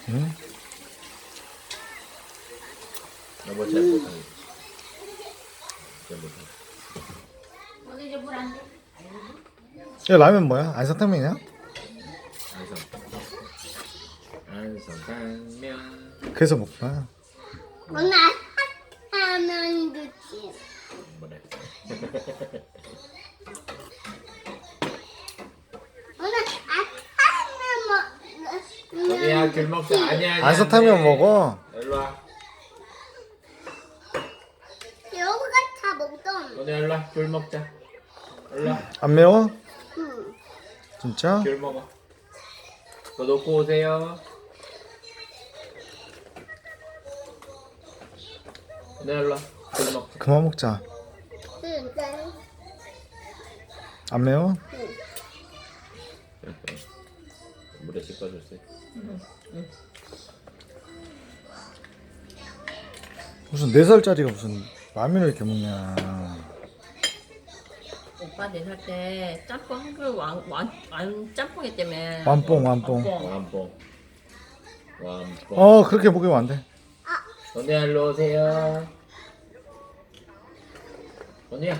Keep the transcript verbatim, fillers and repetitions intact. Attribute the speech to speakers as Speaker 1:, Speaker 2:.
Speaker 1: 응?
Speaker 2: 여보 잘 못하네. 잘 못하네.
Speaker 3: 오늘 이제 물안 돼.
Speaker 1: 야, 라면 뭐야? 안성탕면이야?
Speaker 2: 안성. 안성탕면.
Speaker 1: 그래서 먹구나.
Speaker 3: 오늘 하면 좋지.
Speaker 2: 뭐래?
Speaker 3: 오늘 하면 뭐?
Speaker 2: 언니야 귤 먹자. 아니야 아니야.
Speaker 1: 안성탕면 먹어.
Speaker 2: 일로 와.
Speaker 3: 여우가 다 먹던.
Speaker 2: 언니 일로 와. 귤 먹자. 일로 와.
Speaker 1: 안 매워?
Speaker 3: 응.
Speaker 1: 진짜?
Speaker 2: 귤 먹어. 더 놓고 오세요. 언니 일로 와. 귤 먹자.
Speaker 1: 그만 먹자.
Speaker 3: 진짜.
Speaker 1: 안 매워?
Speaker 2: 물에 씻어주세요.
Speaker 1: 무슨 네 살짜리가 무슨 라면을 이렇게 먹냐.
Speaker 4: 오빠 네 살 때 짬뽕 한 그릇 완, 완, 완 짬뽕이 때문에
Speaker 1: 완뽕, 완뽕.
Speaker 2: 완뽕. 완뽕.
Speaker 1: 어, 그렇게 먹으면 안 돼.
Speaker 2: 언니 일로 오세요. 언니야.